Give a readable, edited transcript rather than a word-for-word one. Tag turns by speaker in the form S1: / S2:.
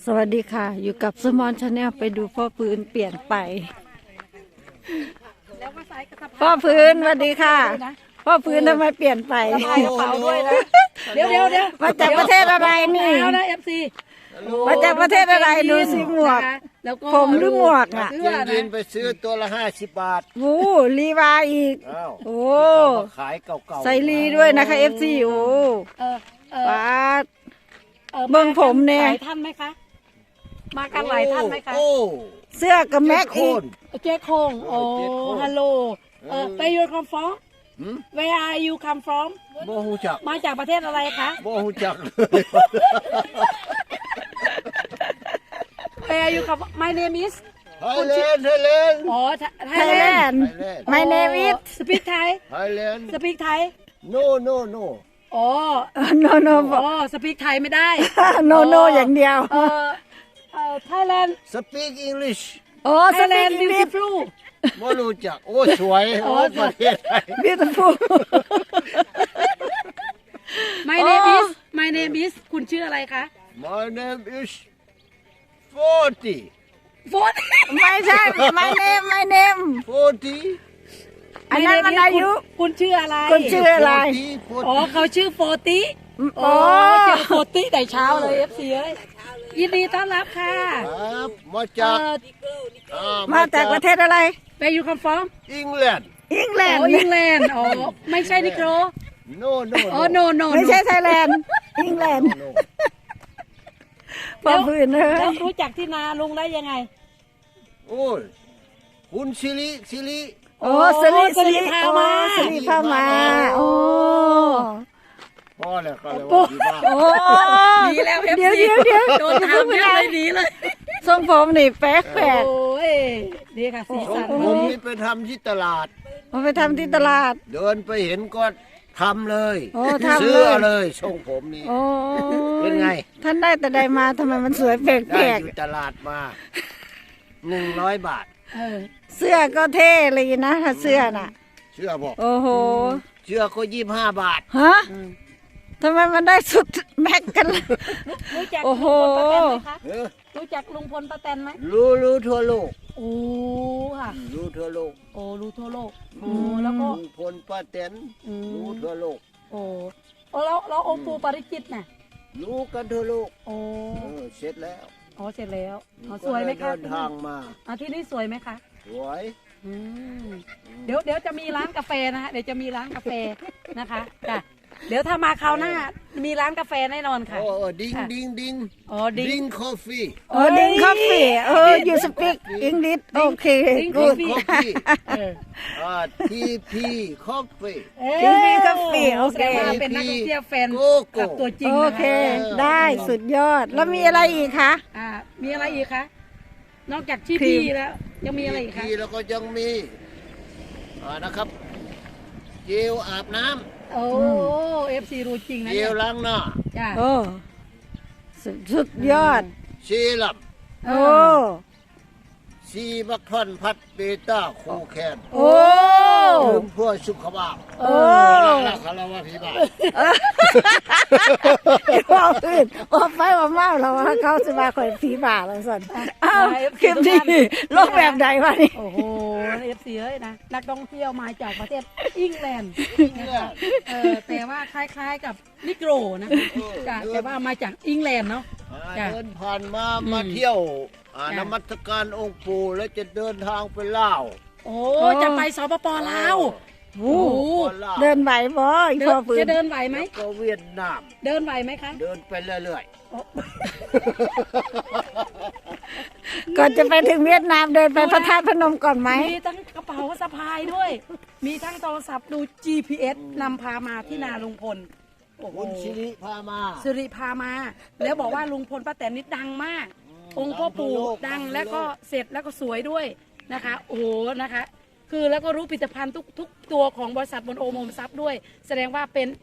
S1: สวัสดีค่ะ อยู่กับสมอนชาแนลไปดูพ่อพื้นเปลี่ยนไปพ่อพื้นสวัสดีค่ะ พ่อพื้นทำไมเปลี่ยนไป
S2: สะพายกระเป๋าด้วยนะเดี๋ยว
S1: มาจากประเทศอะไรนี่
S2: เอานะ FC
S1: มาจากประเทศอะไรดูสิหมวก
S2: แล้วก็
S1: ผมหรือหมวกอ่ะ
S2: เสื้อ
S3: ยิ
S2: นะ
S3: นไปซื้อตัวละ50 บาท
S1: โอ้ลีวาอีก
S3: อ้าว
S1: โอ้
S3: เอามาขายเก่าๆ
S1: ใส่ลีด้วยนะคะเอฟซีโอ้
S2: เออเออ
S1: ป้าด
S2: เออ
S1: เบิ่งผมเนี่ย
S2: หลายท่านไหมคะมากันหลายท่านไหมคะ
S3: โอ้
S1: เสื้อกับแม็ก
S3: โค
S1: อีก
S3: น
S2: เจ๊คงโอ้
S3: เจ๊คง
S2: ฮัลโหลWhere you come from
S3: หืม
S2: Where are you come from
S3: บ่ฮู้จัก
S2: มาจากประเทศอะไรคะ
S3: บ่ฮู้จักเลย
S2: Where you come from My name is
S3: ไทยแลนด์ไทยแลนด์
S2: อ๋อ
S1: ไทยแลนด์ My name is
S2: Speak Thai
S3: ไทยแลนด์
S2: Speak Thai
S3: no no no
S2: อ๋อ
S1: โนโน
S2: อ๋อ Speak Thai ไม่ได้
S1: โนโนอย่างเดียว
S2: Thailand
S3: speak English
S1: โอ้ส
S2: Thailand
S1: ลิป
S2: beautiful
S3: บ่รู้จักโอ้สวยโอ้ประเทศไทย
S1: beautiful
S2: My name is My name is คุณชื่ออะไรคะ
S3: My name is 40
S2: โฟน
S1: ไม่ใช่ my name
S3: 40
S1: อันนั้นมันอายุ
S2: คุณชื่ออะไร
S1: คุณชื่ออะไร
S2: อ๋อเขาชื่อโฟติ
S1: โอ้
S2: เจอโฟติแต่เช้าเลย FC เอ้ยยินดีต้อนรับค่ะ
S3: ครับมาจาก
S1: มาจากประเทศอะไร
S2: Where you come from
S3: อังกฤษ
S1: อังกฤ
S2: อ๋อ
S1: ษ
S2: อิงแลนด์อ๋อไม่ใช่นิโคร
S3: no no
S2: อ๋อ no no
S1: ไม่ใช่ไทยแลนด์อังกฤษ
S3: no
S1: พอพื้นเล
S2: แล้ว
S1: ย
S2: รู้จักที่นาลุงได้ยังไง
S3: โอ้ยคุณสิริ
S1: โอ้สลิ
S2: สลิพามา
S1: สลิพามาโอ้
S3: พ่อเลยก็เลยว่าดีมาก
S1: โอ้
S2: หนีแล้ว
S1: เดี๋ยว
S2: FC โดนถาม
S1: ไม่
S2: เยอะ
S1: ได้
S2: เลยหนีเลย
S1: ทรงผมนี่แปลก
S2: โอ้ยดีค่ะสีสัน
S3: ผมนี่ไปทำที่ตลาด
S1: มาไปทำที่ตลาด
S3: เดินไปเห็นก็ทำเลย
S1: โอ้ทำเลย
S3: ซื้อเลยทรงผมนี่
S1: โอ้
S3: เป็นไง
S1: ท่านได้แต่ใดมาทำไมมันสวยแปล
S3: ได้
S1: ก
S3: อยู่ตลาดมา100 บาท
S2: เออ
S1: ๆเสื้อก็เท่เลยนะถ้าเสื้อน่ะ
S3: เชื่อบอก
S1: โอ้โห
S3: เชื่อก็25 บาท
S1: ฮะทำไมมันได้สุดแม็กกันล่ะ
S2: รู้จัก
S1: โอ้
S2: ลุง
S1: โห
S2: พลป้าแตนไหมคะ
S3: เออ
S2: รู้จักลุงพลป้าแตนไหม
S3: รู้ทั่วโลก
S2: โอ้ค่ะ
S3: รู้ทั่วโลก
S2: โอ้รู้ทั่วโลกโอ้แล้วก็
S3: ลุงพลป้าแตน
S2: อืม
S3: รู้ทั่วโลก
S2: โอ้แล้วองค์ปู่ปาริจิตน่ะ
S3: รู้กันทั่วโลก
S2: โอ้
S3: เสร็จแล้ว
S2: อ๋อเสร็จแล้วอ๋อสวยไหมคะ
S3: ก็เลยเดินทางมา
S2: ที่นี่สวยไหมคะ
S3: สวย
S2: อืมเดี๋ยวจะมีร้านกาแฟนะฮะเดี๋ยวจะมีร้านกาแฟนะคะจ้ะเดี๋ยวถ้ามาคราวหน้ามีร้านกาแฟแน่นอนค่ะ
S3: โอ้ดิ้งดิ้งดิ้ง
S2: อ๋อดิ้ง
S3: ดิ้งคอฟฟี่
S1: โอ้ดิ้งคอฟฟี่you speak English โอเค
S2: ดิ้ง
S1: good
S3: คอฟฟี่
S2: เออ
S3: ทีพีคอฟฟี่
S1: ดิ้งดิ้งกาแฟโอเค
S2: แสดงว่าเป็นนักท่องเที่ยวแฟน
S3: โกโก้
S2: กับตัวจริง
S1: โอ
S2: นะ
S1: เค
S2: คะ
S1: ได้สุดยอด แล้วมีอะไรอีกคะ
S2: มีอะไรอีกคะนอกจากชีพีแล้วยังมีอะไรอีกคะ
S3: ทีแล้วก็ยังมีนะครับเจลอาบน้
S2: โอ้FC รู้จริง
S3: ำ
S2: นะ
S3: เจ
S2: เนี่ย
S3: ลล้างหน้า
S2: จ้ะ
S1: โอ้สุดยอด
S3: เซรั่ม
S1: โอ้
S3: ซีบักทอนพัดเบต้าคูแคน
S1: โอ้
S3: ดื่มเพื่อสุขภาพ
S1: โอ้
S3: รักคารวะพี่บ้าน
S1: ว่าอื่นว่าไปว่าเมาเราว่าเขาจะมาคอยผีบ่าเราสั่นอ้าวคลิปนี้โลกแบบใดวะนี่
S2: โอ้โห FC เอ้ยนะนักท่องเที่ยวมาจากประเทศอังกฤษนะคะแต่ว่าคล้ายๆกับนิโกรนะจ้ะแต่ว่ามาจากอังกฤษเนาะ จ้ะ
S3: เดินผ่านมาเที่ยวนมัสการองค์ปู่แล้วจะเดินทางไปลาว
S2: โอ้จะไปสปปลาว
S1: โอ้เดินไหวบ่อีพ่อปืน
S2: จะเดินไหวไหม
S3: ก็เวียดนาม
S2: เดินไหวไหมคะ
S3: เดินไปเรื่อย
S1: ก่อนจะไปถึงเวียดนามเดินไปพระธาตุพนมก่อนไหม
S2: มีทั้งกระเป๋าสะพายด้วย มีทั้งโทรศัพท์ดู GPS นำพามาที่นาลุงพลโอ้
S3: ๆ
S2: โห
S3: คุณชิริพามา
S2: สิริพามา แล้วบอกว่าลุงพลป้าแตนนี่ดังมาก องค์พ่อปู่ดังแล้วก็เสร็จแล้วก็สวยด้วยนะคะ โอ้โหนะคะ คือแล้วก็รู้ผลิตภัณฑ์ทุกตัวของบริษัทบนโอมทรัพย์ด้วย แสดงว่าเป็น